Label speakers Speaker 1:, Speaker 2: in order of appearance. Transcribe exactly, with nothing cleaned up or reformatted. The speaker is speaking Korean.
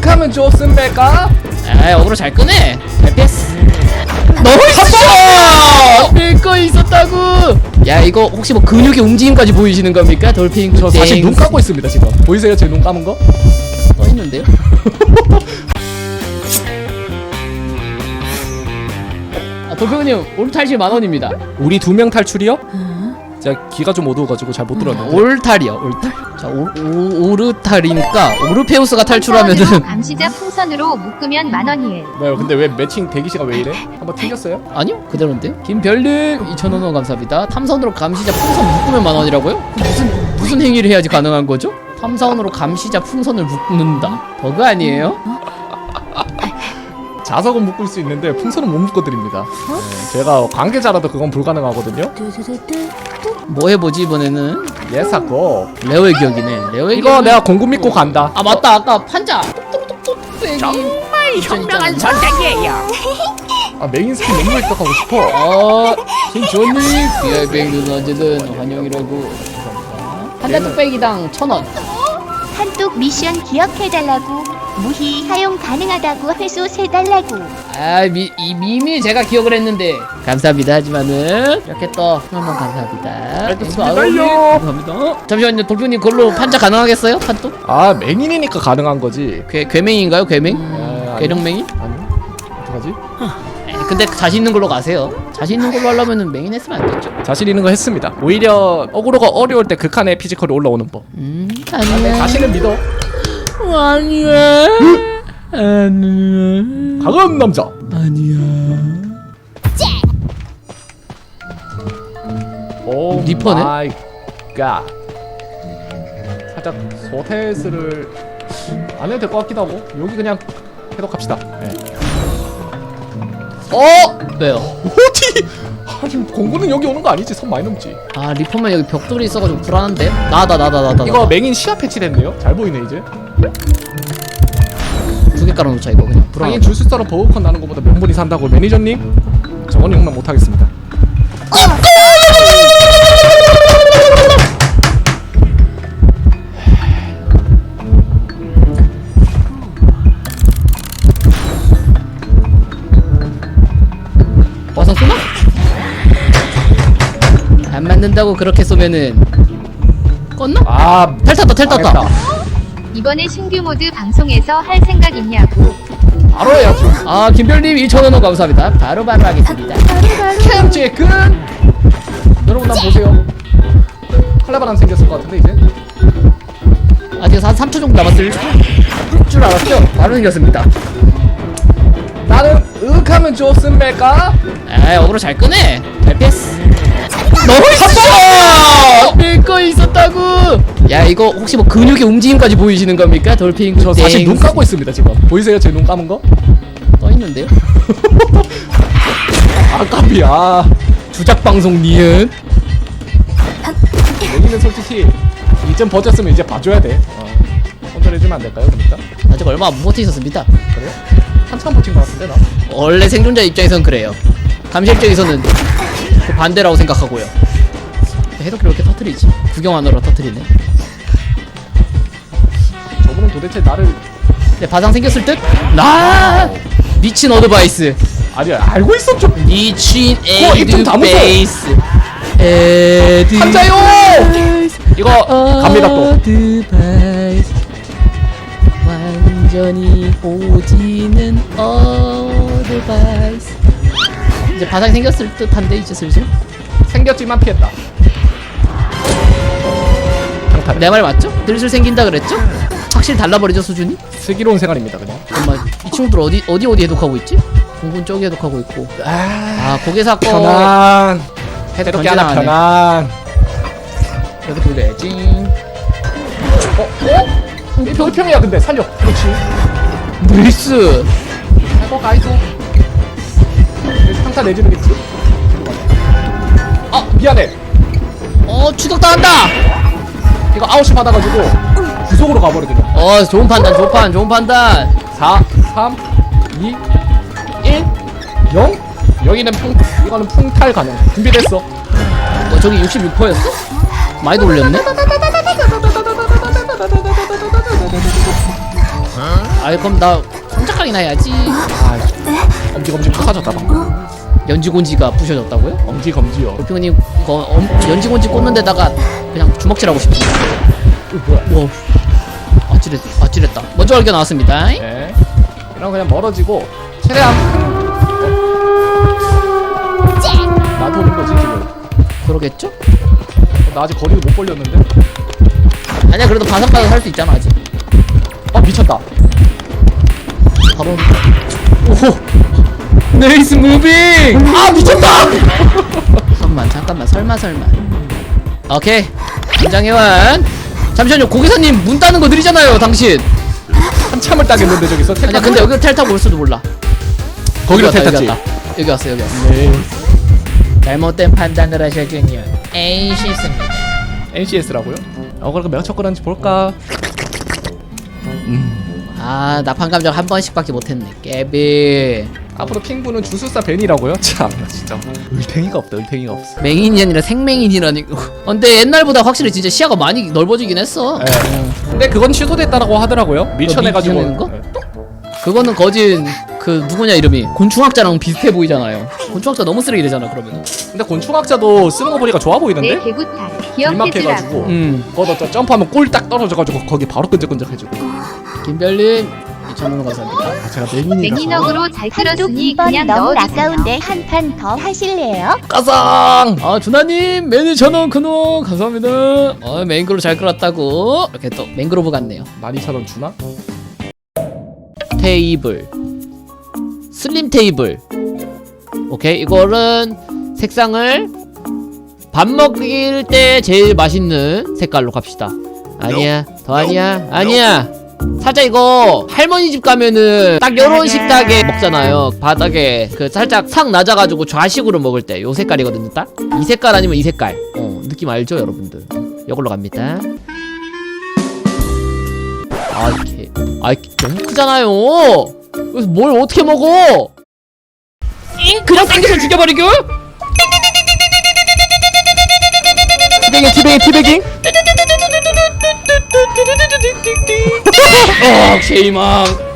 Speaker 1: 으윽하면 좋습니까?
Speaker 2: 에이 어그로 잘 끄네. 잘 피했어. 나이스! 밀거 있었다고. 야 이거 혹시 뭐 근육의 움직임까지 보이시는 겁니까? 돌핑.
Speaker 1: 저 사실 눈 감고 있습니다 지금. 보이세요 제 눈 감은 거?
Speaker 2: 떠 있는데요? 아 돌핑님 올 탈실 만 원입니다.
Speaker 1: 우리 두 명 탈출이요? 제가 귀가 좀 어두워가지고 잘 못 들었는데.
Speaker 2: 올탈이요 올탈. 자 오, 오, 오르탈이니까 오르페우스가 탈출하면은
Speaker 3: 감시자 풍선으로 묶으면 만 원이에요.
Speaker 1: 뭐요? 근데 왜 매칭 대기시가 왜 이래? 한번 튕겼어요?
Speaker 2: 아니요 그대로인데요. 김별님 이천 원 감사합니다. 탐사원으로 감시자 풍선 묶으면 만 원이라고요? 무슨 무슨 행위를 해야지 가능한 거죠? 탐사원으로 감시자 풍선을 묶는다. 버그 아니에요?
Speaker 1: 자석은 묶을 수 있는데 풍선은 못 묶어드립니다. 네, 제가 관계자라도 그건 불가능하거든요.
Speaker 2: 뭐 해보지 이번에는?
Speaker 1: 예사고.
Speaker 2: 레오의 기억이네. 레오의
Speaker 1: 이거
Speaker 2: 기억은-
Speaker 1: 내가 공구 믿고 간다.
Speaker 2: 아 맞다 아까 판자 똑똑똑똑 빼기
Speaker 4: 정말 현명한 선택이에요.
Speaker 1: 아 메인 스킨 너무 획득하고 싶어.
Speaker 2: 어 신주원님 비아이백은 언제든 환영이라고. 감사합니다. 판자 뚝배기당 천원.
Speaker 3: 한뚝 미션 기억해달라고. 무희 사용 가능하다고 회수 세달라고.
Speaker 2: 아이 이미 제가 기억을 했는데 감사합니다. 하지만은 이렇게 또 한번 감사합니다.
Speaker 1: 알겠습니다요.
Speaker 2: 감사합니다. 잠시만요 돌표님 그걸로 판자 가능하겠어요? 판뚝?
Speaker 1: 아 맹인이니까 가능한 거지.
Speaker 2: 괴, 괴맹인가요 괴맹?
Speaker 1: 아,
Speaker 2: 괴력맹인?
Speaker 1: 아니 어떡하지?
Speaker 2: 에이, 근데 자신 있는 걸로 가세요. 자신 있는 걸로 하려면은 맹인 했으면 안 됐죠.
Speaker 1: 자신 있는 거 했습니다. 오히려 어그로가 어려울 때 극한의 피지컬이 올라오는 법.
Speaker 2: 음
Speaker 1: 아, 내
Speaker 2: 아니야
Speaker 1: 자신을 믿어.
Speaker 2: 아니야 아니야
Speaker 1: 강한 남자.
Speaker 2: 아니야.
Speaker 1: 오
Speaker 2: 리퍼네?
Speaker 1: 마이 갓. 살짝 소테스를 안 해도 될 것 같기도 하고 여기 그냥 해독합시다. 네.
Speaker 2: 어? 왜요?
Speaker 1: 어디? 하긴 공구는 여기 오는 거 아니지? 선 많이 넘지.
Speaker 2: 아 리퍼만 여기 벽돌이 있어가지고 불안한데? 나다 나다 나다
Speaker 1: 이거 맹인 시야 패치됐네요. 잘 보이네 이제.
Speaker 2: 두개 깔아놓자 이거 그냥 불안하다.
Speaker 1: 하긴 줄수사로 버거컨 나는 것보다 명분이 산다고 매니저님. 저건 용납 못하겠습니다.
Speaker 2: 와서 쏘나? 안 맞는다고 그렇게 쏘면은 껐나?
Speaker 1: 아
Speaker 2: 텔 탔다 텔 탔다.
Speaker 1: 망했다.
Speaker 3: 이번에 신규 모드 방송에서 할 생각 있냐고.
Speaker 1: 바로 해야지.
Speaker 2: 아 김별님 이천 원 감사합니다. 바로 바로 하겠습니다.
Speaker 1: 캠제근. 여러분 난 보세요. 칼라바람 생겼을 것 같은데 이제.
Speaker 2: 아직 한 삼 초 정도 남았을 줄 알았죠? 바로 생겼습니다.
Speaker 1: 나는 으윽하면 좋습니까?
Speaker 2: 에이 어그로 잘 끄네. 잘 피했어. 나이스! 밀거 있었다고. 야 이거 혹시 뭐 근육의 움직임까지 보이시는 겁니까? 돌핑.
Speaker 1: 저 사실
Speaker 2: 땡.
Speaker 1: 눈 감고 있습니다 지금. 보이세요 제 눈 감은 거?
Speaker 2: 떠 있는데요?
Speaker 1: 아 깜이야.
Speaker 2: 주작 방송 니은.
Speaker 1: 여기는 솔직히 이점 버텼으면 이제 봐줘야 돼. 어. 손절해주면 안 될까요 그러니까?
Speaker 2: 아직 얼마 안 버티 있었습니다.
Speaker 1: 그래요? 한참 버틴 것 같은데 나.
Speaker 2: 원래 생존자 입장에선 그래요. 감시 입장에서는 그 반대라고 생각하고요. 해독기를 이렇게 터트리지. 구경하느라 터트리네.
Speaker 1: 저분은 도대체 나를
Speaker 2: 근데 바상 생겼을 듯? 나 미친 어드바이스.
Speaker 1: 아니 알고 있었죠.
Speaker 2: 미친
Speaker 1: 어, 입좀 다무소.
Speaker 2: 에드바이스. 에드.
Speaker 1: 한자요. 이거 갑니다 또.
Speaker 2: 어드바이스. 완전히 오지는 어드바이스. 이제 바상이 생겼을 듯한데 이제 슬슬.
Speaker 1: 생겼지만 피했다. 강탈.
Speaker 2: 내 말 맞죠? 슬슬 생긴다 그랬죠? 확실히 달라버리죠 수준이?
Speaker 1: 슬기로운 생활입니다 그냥.
Speaker 2: 잠깐만 이 친구들 어디 어디 어디 해독하고 있지? 공군 저기 해독하고 있고.
Speaker 1: 아,
Speaker 2: 아 고개 사건.
Speaker 1: 편안.
Speaker 2: 해독
Speaker 1: 이렇게 하나
Speaker 2: 던지나
Speaker 1: 편안.
Speaker 2: 여기 돌려야지.
Speaker 1: 어? 어? 이 별평이야 근데 살려. 그렇지.
Speaker 2: 나이스.
Speaker 1: 해보 가이소. 상타 내지르겠지. 아 미안해.
Speaker 2: 어 추격당한다.
Speaker 1: 이거 아웃이 받아가지고 구속으로 가버리거든.
Speaker 2: 어 좋은 판단 좋은 판 좋은 판단.
Speaker 1: 사, 삼, 이, 일, 영. 여기는 풍, 이거는 풍탈 가능. 준비됐어.
Speaker 2: 어 저기 육십육 퍼센트였어? 많이 돌렸네? 아이 그럼 나 성작각이나 해야지.
Speaker 1: 아, 엄지검지 부서졌다 방금.
Speaker 2: 연지곤지가 부셔졌다고요?
Speaker 1: 엄지검지요.
Speaker 2: 도핑님 이거 엄, 연지곤지 꽂는 데다가 그냥 주먹질하고 싶은데. 어, 뭐야? 와, 아찔했, 아찔했다. 먼저 발견 나왔습니다.
Speaker 1: 네. 이런 그냥 멀어지고 최대한 나도 오는 거지 지금.
Speaker 2: 그러겠죠?
Speaker 1: 나 아직 거리를 못 벌렸는데.
Speaker 2: 아니야 그래도 바삭바삭 할 수 있잖아 아직.
Speaker 1: 아 미쳤다.
Speaker 2: 바로. 오호. 네이스 무빙. 아 미쳤다. 잠깐만 잠깐만 설마 설마. 오케이. 김장혜완. 잠시만요 고기사님 문 따는 거 느리잖아요 당신.
Speaker 1: 한참을 따겠는데 저기서.
Speaker 2: 아니야 근데 여기 텔 타고 올 수도 몰라.
Speaker 1: 거기로
Speaker 2: 여기
Speaker 1: 텔
Speaker 2: 왔다,
Speaker 1: 탔지.
Speaker 2: 여기 왔다. 여기 왔어 여기 왔어.
Speaker 1: 네.
Speaker 2: 잘못된 판단을 하셨군요. 에이 실수입니다.
Speaker 1: 엔씨에스라고요? 어 그럼 몇 척거리는지 볼까?
Speaker 2: 아 나판 감정 한 번씩밖에 못했네. 깨비.
Speaker 1: 앞으로 핑구는 주술사 벤이라고요? 참 진짜 을팽이가 없다. 을팽이가 없어.
Speaker 2: 맹인이 아니라 생맹인이라니. 어, 근데 옛날보다 확실히 진짜 시야가 많이 넓어지긴 했어.
Speaker 1: 네. 근데 그건 취소됐다라고 하더라고요. 밀쳐내가지고.
Speaker 2: 밀쳐내는 거?
Speaker 1: 네.
Speaker 2: 그거는 거진 그 누구냐 이름이 곤충학자랑 비슷해 보이잖아요. 곤충학자 너무 쓰레기 되잖아 그러면.
Speaker 1: 근데 곤충학자도 쓰는 거 보니까 좋아 보이던데?
Speaker 3: 내 개구탈 기억해주라고.
Speaker 1: 길막해가지고
Speaker 2: 음.
Speaker 1: 그거 저 점프하면 꿀 딱 떨어져가지고 거기 바로 끈적끈적해지고.
Speaker 2: 김별님 이천 원 감사합니다.
Speaker 1: 아 제가 내민이라서.
Speaker 3: 맹인억으로 잘
Speaker 5: 한쪽
Speaker 3: 끌었으니
Speaker 5: 이 번
Speaker 3: 그냥
Speaker 5: 너무
Speaker 3: 넣어주세요.
Speaker 5: 아까운데 한 판 더 하실래요?
Speaker 2: 까상. 아 준하님 매니 천원 근원 감사합니다. 어 맹그로 잘 끌었다고. 이렇게 또 맹그로브 같네요.
Speaker 1: 만 이천 원 주나?
Speaker 2: 테이블 슬림 테이블. 오케이 이거는 색상을 밥 먹일 때 제일 맛있는 색깔로 갑시다. 아니야 더 아니야 아니야. 살짝 이거 할머니 집 가면은 딱 요런 식탁에 먹잖아요. 바닥에 그 살짝 상 낮아가지고 좌식으로 먹을 때 요 색깔이거든요. 딱 이 색깔 아니면 이 색깔. 어 느낌 알죠 여러분들. 요걸로 갑니다. 아 이렇게 아 이렇게 너무 크잖아요. 그래서 뭘 어떻게 먹어? 그냥 땡겨서 죽여버리고?
Speaker 1: 티베깅 티베깅 티베깅.
Speaker 2: 어, 쉐이망.